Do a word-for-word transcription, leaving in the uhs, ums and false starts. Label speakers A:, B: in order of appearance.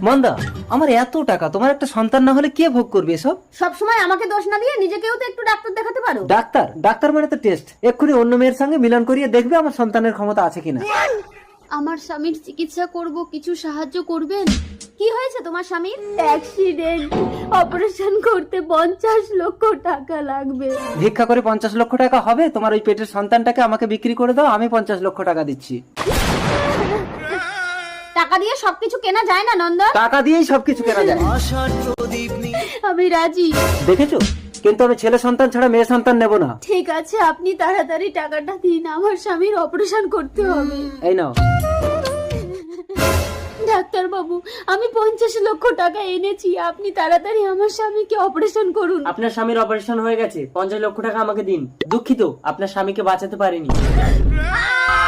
A: মন্দা, আমার এত টাকা, তোমার একটা সন্তান না হলে কে ভোগ করবে এসব?
B: সবসময় আমাকে দোষ না দিয়ে নিজেকেও তো একটু ডাক্তার দেখাতে পারো।
A: ডাক্তার? ডাক্তার মানে তো টেস্ট। এক্ষুনি অন্য মেয়ের সঙ্গে মিলন করিয়ে দেখবে আমার সন্তানের ক্ষমতা আছে কিনা।
C: আমার স্বামীর চিকিৎসা করব, কিছু সাহায্য করবেন?
B: কি হয়েছে তোমার স্বামীর?
C: অ্যাক্সিডেন্ট, অপারেশন করতে পঞ্চাশ লক্ষ টাকা লাগবে।
A: ভিক্ষা করে পঞ্চাশ লক্ষ টাকা হবে? তোমার ওই পেটের সন্তানটাকে আমাকে বিক্রি করে দাও, আমি পঞ্চাশ লক্ষ টাকা দিচ্ছি।
B: টাকা দিয়ে সবকিছু কেনা যায় না নন্দন।
A: টাকা দিয়েই সবকিছু কেনা যায়।
C: আমি রাজি।
A: দেখেছো, কিন্তু আমি ছেলে সন্তান ছাড়া মেয়ে সন্তান নেব না।
C: ঠিক আছে, আপনি তাড়াতাড়ি টাকাটা দিন, আমার স্বামীর অপারেশন করতে হবে।
A: এই নাও।
C: ডাক্তার বাবু, আমি পঞ্চাশ লক্ষ টাকা এনেছি, আপনি তাড়াতাড়ি আমার স্বামীকে অপারেশন করুন।
D: আপনার স্বামীর অপারেশন হয়ে গেছে, পঞ্চাশ লক্ষ টাকা আমাকে দিন। দুঃখিত, আপনার স্বামীকে বাঁচাতে পারিনি।